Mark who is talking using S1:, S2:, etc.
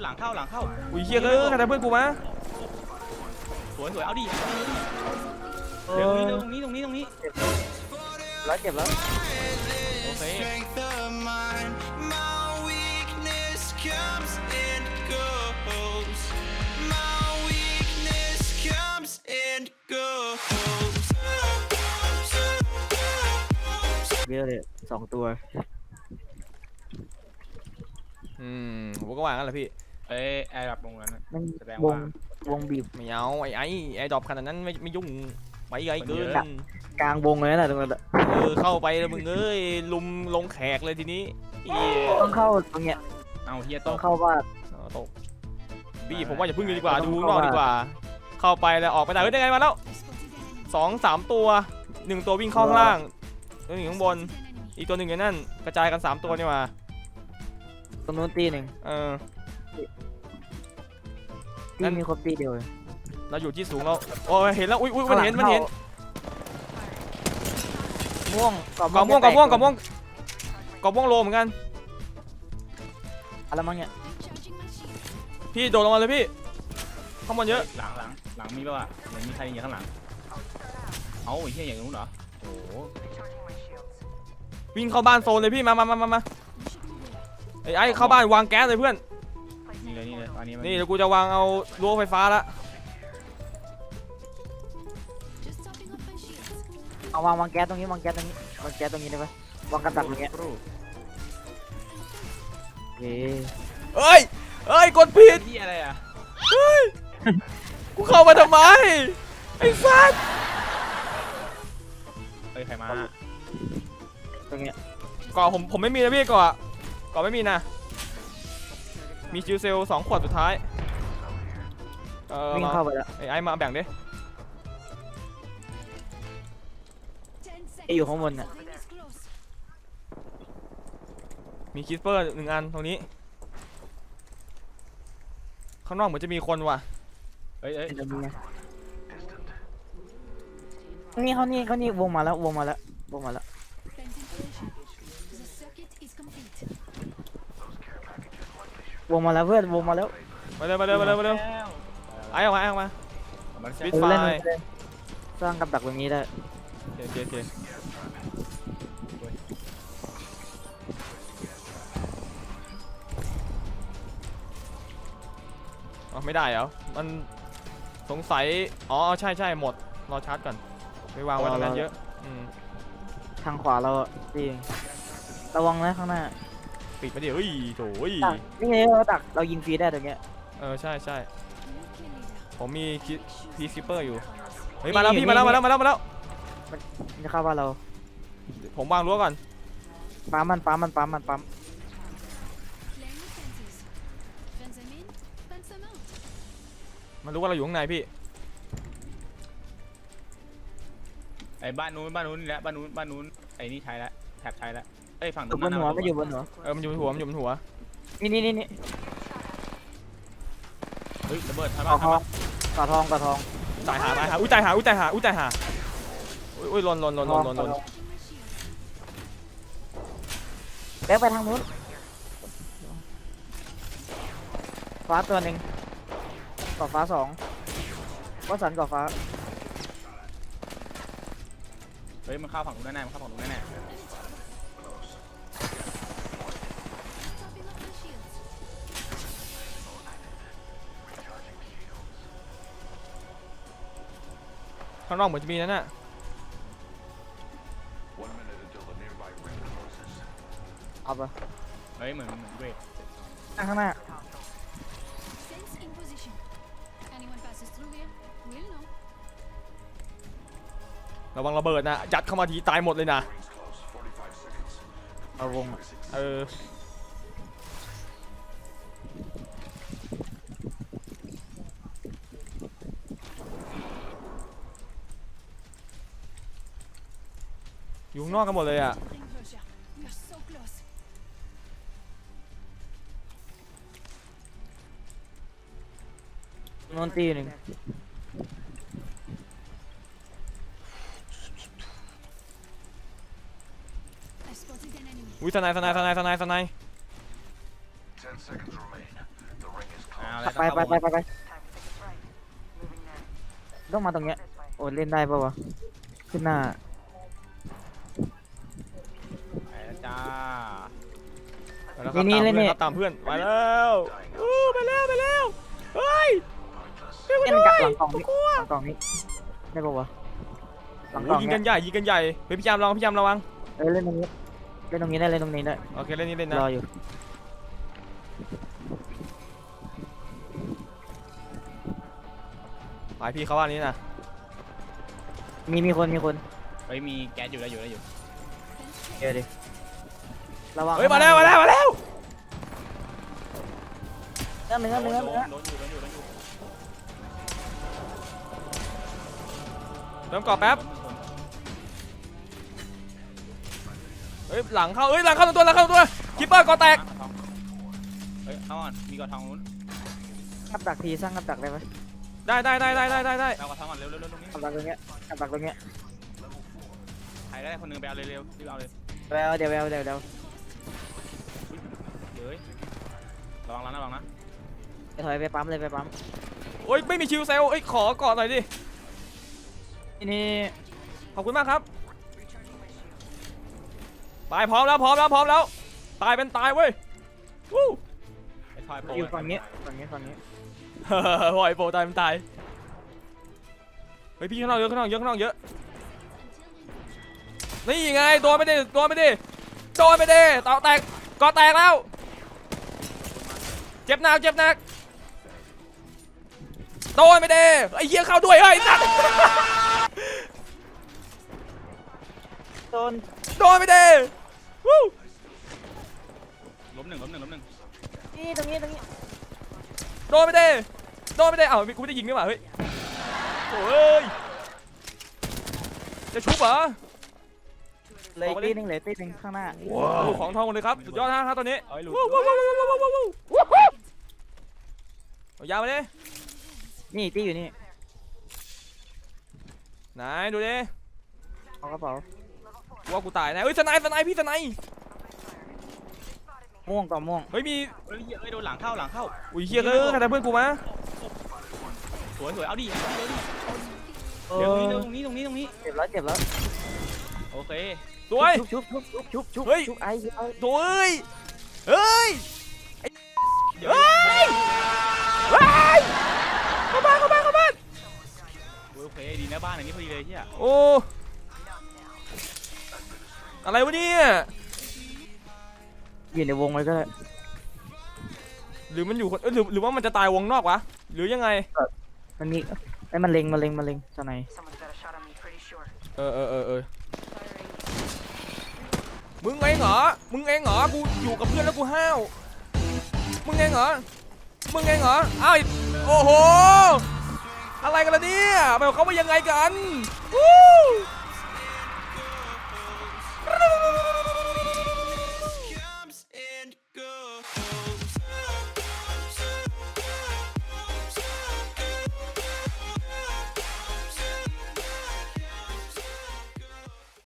S1: หลังเข้า
S2: อุ้ยเฮียเอ้ยใครทำเพื่อนกูมา
S1: สวยเอาดิเดี๋ยวตรงนี้
S3: แล้วเก็บแล้ว
S1: โอเค
S3: เยอะเลย2 ตัว
S2: ผมก็ว่างั้นแหละพี่
S1: แอร์ดับตรงนั้นแสดง
S3: ว
S1: ว่าง
S3: วงบีบ
S2: ไม่เอาไอ้ดรอปขนาดนั้นไม่ยุ่งไปไกลเกิน
S3: กลางวงเลยนะตรงนั้น
S2: เข้าไปแล้วมึงเอ้ยลุมลงแขกเลยทีนี้
S3: ต้องเข้าตรงเนี้ย
S1: เอาเฮีย
S3: ต้องเข้าบ้าน
S2: ตกพี่ผมว่าอย่าพึ่งเลยดีกว่าดูนอกดีกว่าเข้าไปแล้วออกไปได้ได้ไงมาแล้ว2-3 ตัว1ตัววิ่งเข้าข้างล่างตัวหนึ่งข้างบนอีกตัวหนึ่งอยู่นั่นกระจายกัน3 ตัวนี่มา
S3: ตรงนู้นตีหนึ่งตีมีครบตีเดียว
S2: เราอยู่ที่สูงเราโอ้เห็นแล้วอุ้ยมันเห็น
S3: ม่วง
S2: กอบม่วงโลเหมือนกัน
S3: อะไรมั้งเนี่ย
S2: พี่โดดลงมาเลยพี่ข้างบนเยอะ
S1: หลังมีป่ะเหมือนมีใครอยู่ข้างหลังเอ้าเฮียอย่างนู้นเหรอโอ้
S2: วิ่งเข้าบ้านโซนเลยพี่มาไอ้เข้าบ้านวางแก๊สเลยเพื่อน
S1: นี่เลยอันนี้
S2: นี่เดี๋ยวกูจะวางเอารั้วไฟฟ้าละ
S3: เอาวางแก๊สตรงนี้วางแก๊สตรงนี้ได้ปะวางกระดับตรงนี้
S2: เฮ้ยกดผิด
S1: ที่อะไรอ่ะ
S2: กูเข้ามาทำไมไอ้สัส
S1: ใครมา
S3: ตรงนี้
S2: ก่อผมไม่มีนะพี่ก่อไม่มีนะมีจิวเซล2 ขวดสุดท้าย
S3: วิ่งเข้าไปแล้ว
S2: ไอ้มาแบ่งดิ
S3: อยู่ข้างบนน่ะ
S2: มีคิสเปอร์1 อันตรงนี้ข้างนอกเหมือนจะมีคนว่ะ
S3: นี่เขานี่วงมาแล้ววงมาแล้วเพื่อนวงมาแล้ว
S2: มาเร็วไอ้ออกมาปิดไฟ
S3: สร้างกับดักตรงนี้ได้
S2: โอเคไม่ได้เหรอมันสงสัยอ๋อใช่หมดรอชาร์จก่อนไปวางไว้ตรงนั้นเยอะ
S3: ทางขวาเราจริงระวังนะข้างหน้า
S2: ปิดมาดิเฮ้ยโถ่
S3: นี่ไงเราดักเรายิงฟรีได้ตรงเนี้ย
S2: ใช่ผมมีพีซิปเปอร์อยู่เฮ้ยมาแล้วพี่มาแล้ว
S3: จะเข้าบ้านเรา
S2: ผมวางรั้วก่อน
S3: ปั๊ม
S2: มันรู้ว่าเราอยู่ข้างในพี่
S1: ไอ้บ้านนู้นนี่แหละบ้านนู้นไอ้นี่ใช้แล้วแท็บใช้แล้วไอ้ฝั่ง
S3: ตรงนั้นไม่อยู่บนหัว
S2: มันอยู่บนหัว
S3: นี่
S1: เฮ้ยระเบิดทำไม
S3: กระทอง
S2: ตายหาอุ้ยตายหาอุ้ยหล่น
S3: แบ๊กไปทางนู้นฟ้าตัวหนึ่งก่อฟ้า2ก็สันก่อฟ้า
S1: เฮ้ยมันเข้าฝั่งนู้นแน่
S2: ข้างนอกเหมือนจะมีนั่นน่ะ
S3: เอาปะ
S1: เฮ้ยเหมือนเวท
S3: ข้างหน้า
S2: ระวังระเบิดนะยัดเข้ามาทีตายหมดเลยนะ
S3: เอาวง
S2: อยู่ข้างนอกกันหมดเลยอ่ะ
S3: นอนตีหนึ่ง
S2: อุ้ยสไน
S3: ไปต้องมาตรงเนี้ยโอ้เล่นได้ปะวะขึ้นหน้า
S1: ไปแล้วจ้า
S2: ไปแล้วครับตามเพื่อนครับตามเพื่อนไปแล้วไปแล้วเฮ้ย
S3: เล่นกับหลังกล่องนี้หลังกล่องนี้ได้ปะวะหลังกล่อง
S2: ยิง
S3: เนี้
S2: กันใหญ่ยิงกันใหญ่เฮ้ยพี่ยามระวัง
S3: เล่นตรงนี้ได้เล่นตรงนี้ได้
S2: โอเคเล่นนี่เล่นนะ
S3: รออยู่
S2: ไปพี่เขาว่านี้นะ
S3: มีคน
S1: เฮ้ยมีแก๊สอยู่แล้วอยู่
S3: เดี๋ยวดิระวัง
S2: เฮ้ยมาแล้ว
S3: เนื้อ
S1: โดนอยู่
S2: เติมกรอบแป๊บเฮ้ยหลังเข้าตัวคิปเปอร์กอแตก
S1: เฮ้ยเข้าก่อนมีกระทองนู้น
S3: กับดักทีสร้างกับดักได้ไหม
S2: ได้
S1: เอากระทองก่อนเร็วตรงนี้
S3: กับดักตรงเนี้ย
S1: ใครได้คนนึงไปเอาเร็วรีบเอาเลย
S3: เดี๋ยว
S1: เฮ้ยระวังนะ
S3: ไปถอยไปปั๊มเลยไปปั๊ม
S2: โอ้ยไม่มีชิวเซลขอกอดหน่อยดิ
S3: นี่
S2: ขอบคุณมากครับไปพร้อมแล้วตายเป็นตายเว้ยวู้
S1: ไอ้ทอยโป
S3: อยู่ฝั่งนี้
S2: ปล่อยโปรตายเป็นตายเฮ้ยพี่ข้างนอกเยอะนี่ไงตัวไม่ได้เต่าแตกกอแตกแล้วเจ็บหนักโดนไม่ได้ไอ้เหี้ยเข้าด้วยเฮ้ยสัตว์ โดนไม่ได้วู้
S1: ล้มหนึ่ง
S3: นี่ตรงนี้
S2: โดนไม่ได้เอ้ากูไม่ได้ยิงนี่หว่าเฮ้ยโอ้ยจะชุบเหรอ
S3: เลยตีหนึ่งข้างหน้า
S2: ลูกของทองหมดเลยครับสุดยอดนะครับตอนนี้
S1: เอ้ยหลุด
S2: เอายาวมาดิ
S3: นี่ตีอยู่นี่
S2: ไหนดูดิ
S3: เอากระเป๋า
S2: ว่ากูตายนะเฮ้ยสไนพี่สไน
S3: ม่วงต่อม่วง
S2: เฮ้ยมี
S1: เฮ้ยโดนหลังเข้า
S2: อุ้ยเฮียใครทำเพื่อนกูมา
S1: สวยเอาดิ
S3: เอ
S1: เร็ว
S3: อ
S1: ตรงนี้
S3: เจ็บแล้ว
S1: โอเค
S2: สวย
S3: ชุบ
S2: เฮ้ย
S3: ชุบไอ้
S2: สวยเฮ้ยเข้าบ้าน
S1: โอเคดีนะบ้านอันนี้พอดีเลยเฮีย
S2: โอ้อะไรวะเนี่ย
S3: อยู่ในวงเลยก็ได้
S2: หรือมันอยู่คนหรือว่ามันจะตายวงนอกวะหรือยังไง
S3: มันมีไอ้มันเล็งสไน
S2: เออมึงเองเหรอกูอยู่กับเพื่อนแล้วกูห้าวมึงเองเหรออ้าวโอ้โหอะไรกันล่ะเนี่ยไปเขามายังไงกันวู้